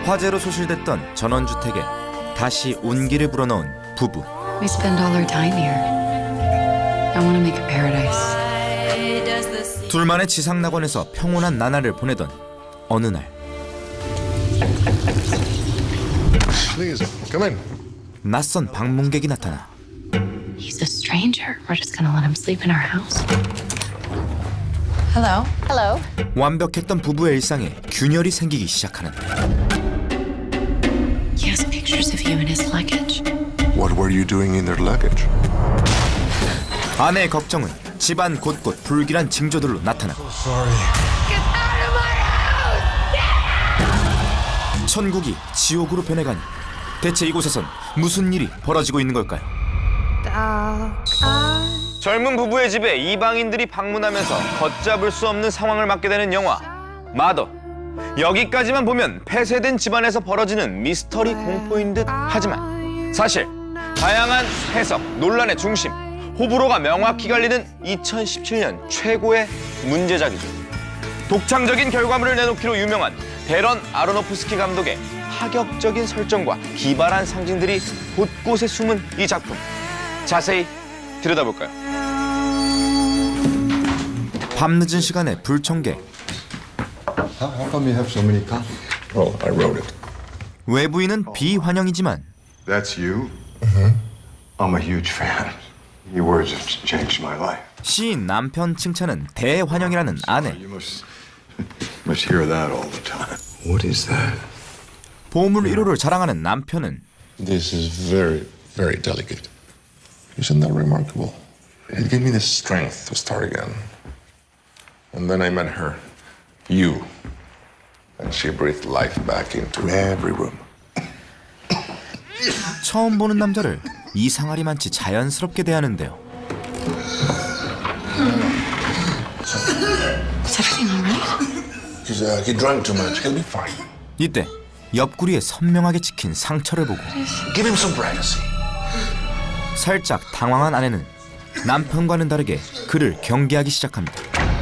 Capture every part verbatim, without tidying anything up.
화재로 소실됐던 전원주택에 다시 온기를 불어넣은 부부. We spend all our time here. I want to make a paradise. 둘만의 지상낙원에서 평온한 나날을 보내던 어느 날 Please, come in. 낯선 방문객이 나타나 He's a stranger. We're just gonna let him sleep in our house. Hello. Hello. 완벽했던 부부의 일상에 균열이 생기기 시작하는데 He has pictures of you in his luggage. What were you doing in their luggage? 아내의 걱정은 집안 곳곳 불길한 징조들로 나타나고 Sorry. 천국이 지옥으로 변해가니 대체 이곳에선 무슨 일이 벌어지고 있는 걸까요? 젊은 부부의 집에 이방인들이 방문하면서 걷잡을 수 없는 상황을 맞게 되는 영화 마더. 여기까지만 보면 폐쇄된 집안에서 벌어지는 미스터리 공포인 듯 하지만 사실 다양한 해석, 논란의 중심, 호불호가 명확히 갈리는 이천십칠 년 최고의 문제작이죠. 독창적인 결과물을 내놓기로 유명한 데런 아로노프스키 감독의 파격적인 설정과 기발한 상징들이 곳곳에 숨은 이 작품. 자세히 들여다볼까요? 밤늦은 시간에 불청객. How, how come you have so many copies? Oh, I wrote it. 외부인은 비환영이지만 That's you? Mm-hmm. I'm a huge fan. Your words have changed my life. 시인 남편 칭찬은 대환영이라는 아내. You must must hear that all the time. What is that? 보물 일 호를 자랑하는 남편은 This is very, very delicate. Isn't that remarkable? It gave me the strength to start again. And then I met her, you, and she breathed life back into every room. 처음 보는 남자를 이상하리만치 자연스럽게 대하는데요. Is everything all right? He's, uh, he drank too much. He'll be fine. 이때 옆구리에 선명하게 찍힌 상처를 보고 Give him some privacy. 살짝 당황한 아내는 남편과는 다르게 그를 경계하기 시작합니다.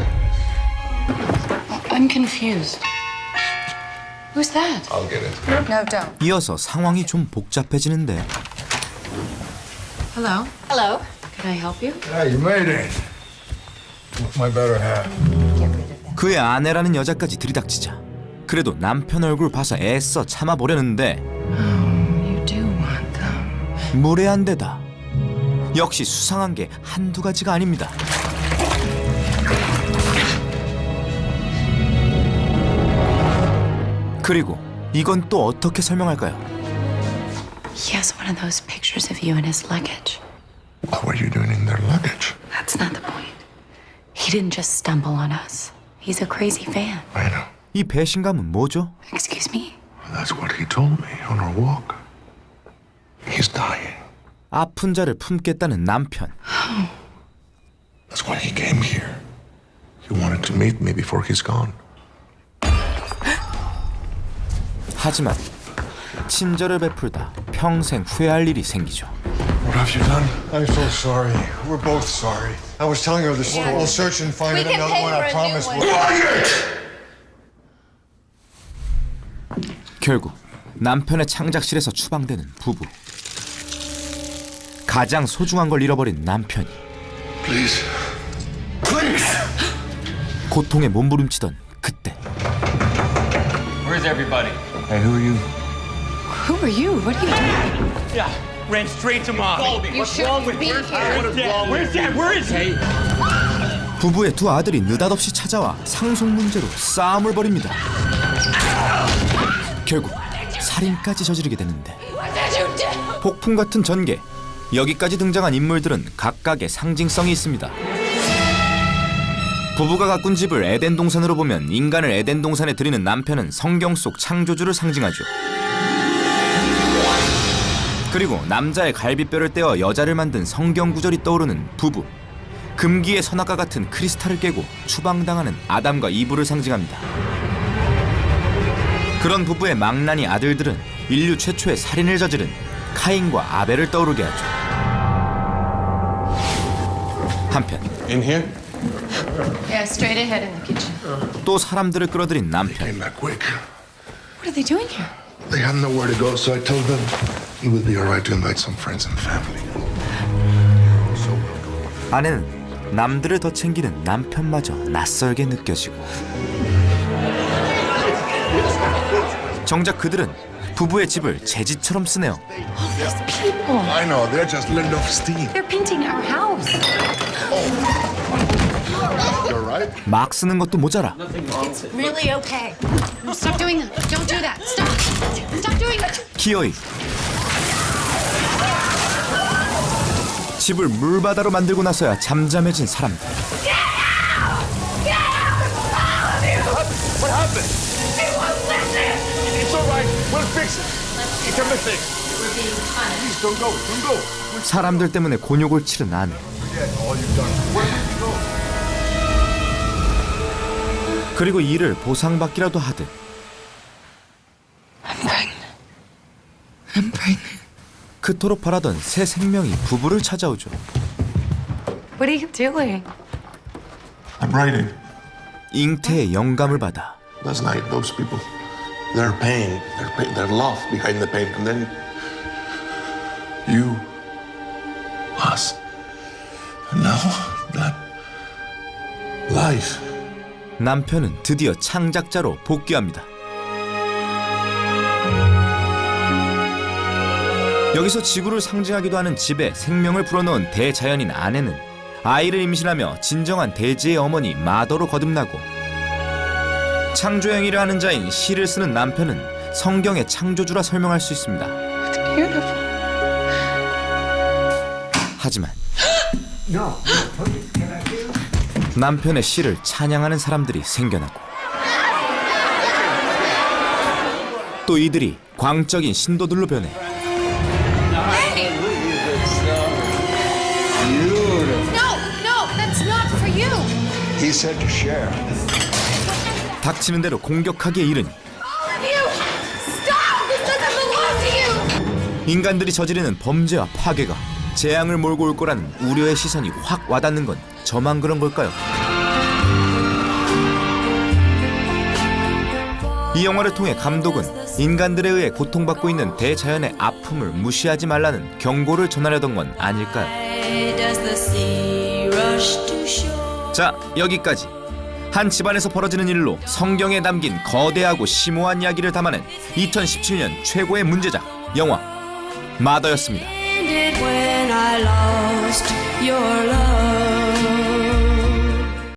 I'm confused. Who's that? I'll get it. No, don't. 이어서 상황이 좀 복잡해지는데 Hello. Hello. Can I help you? Yeah, you made it. My better half. 그의 아내라는 여자까지 들이닥치자 그래도 남편 얼굴 봐서 애써 참아보려는데 You do want them. 무례한 데다 역시 수상한 게 한두 가지가 아닙니다. 그리고 이건 또 어떻게 설명할까요? He has one of those pictures of you in his luggage. What were you doing in their luggage? That's not the point. He didn't just stumble on us. He's a crazy fan. I know. 이 배신감은 뭐죠? Excuse me? That's what he told me on our walk. He's dying. 아픈 자를 품겠다는 남편. That's why he came here. He wanted to meet me before he's gone. 하지만 친절을 베풀다 평생 후회할 일이 생기죠. What have you done? I'm so sorry. We're both sorry. I was telling her the story. We'll search and find We can another pay one. for I a promise. new We'll... 결국 남편의 창작실에서 추방되는 부부. 가장 소중한 걸 잃어버린 남편이 Please. Please. 고통에 몸부림치던 그때 Where's everybody? Hey, who are you? Who are you? What are you doing? Yeah, ran straight to mommy. You shouldn't be here. Where's dad? Where's dad? Where is he? 부부의 두 아들이 느닷없이 찾아와 상속 문제로 싸움을 벌입니다. 결국 살인까지 저지르게 되는데 폭풍 같은 전개. 여기까지 등장한 인물들은 각각의 상징성이 있습니다. 부부가 가꾼 집을 에덴 동산으로 보면 인간을 에덴 동산에 들이는 남편은 성경 속 창조주를 상징하죠. 그리고 남자의 갈비뼈를 떼어 여자를 만든 성경 구절이 떠오르는 부부. 금기의 선악과 같은 크리스탈을 깨고 추방당하는 아담과 이브를 상징합니다. 그런 부부의 망나니 아들들은 인류 최초의 살인을 저지른 카인과 아벨을 떠오르게 하죠. 한편 In here? Yeah, straight ahead in the kitchen. 또 사람들을 끌어들인 남편. Came back quick. What are they doing here? They had nowhere to go, so I told them it would be all right to invite some friends and family. 아내는 남들을 더 챙기는 남편마저 낯설게 느껴지고 정작 그들은 부부의 집을 제지처럼 쓰네요. People. I know, they're just letting off steam. They're painting our house. You're right. 막 쓰는 것도 모자라 Really okay. Stop doing that. Don't do that. Stop. Stop doing that. 기어이 집을 물바다로 만들고 나서야 잠잠해진 사람들. 사람들 때문에 곤욕을 치른 아내. 그리고 이를 보상받기라도 하듯 I'm pregnant. I'm pregnant. 그토록 바라던 새 생명이 부부를 찾아오죠. What are you doing? I'm writing. 잉태의 영감을 받아 Last night, those people, their pain, their pain, their love behind the pain, and then you, us, and now that life. 남편은 드디어 창작자로 복귀합니다. 여기서 지구를 상징하기도 하는 집에 생명을 불어넣은 대자연인 아내는 아이를 임신하며 진정한 대지의 어머니 마더로 거듭나고 창조 행위를 하는 자인 시를 쓰는 남편은 성경의 창조주라 설명할 수 있습니다. Beautiful. 하지만 남편의 시를 찬양하는 사람들이 생겨나고 또 이들이 광적인 신도들로 변해 No, no, that's not for you. He said to share. 닥치는 대로 공격하기에 이르니 All of you, stop. This doesn't belong to you. 인간들이 저지르는 범죄와 파괴가 재앙을 몰고 올 거라는 우려의 시선이 확 와닿는 건 저만 그런 걸까요? 이 영화를 통해 감독은 인간들에 의해 고통받고 있는 대자연의 아픔을 무시하지 말라는 경고를 전하려던 건 아닐까요? 자, 여기까지 한 집안에서 벌어지는 일로 성경에 담긴 거대하고 심오한 이야기를 담아낸 이천십칠 년 최고의 문제작 영화 마더였습니다. When I lost your love.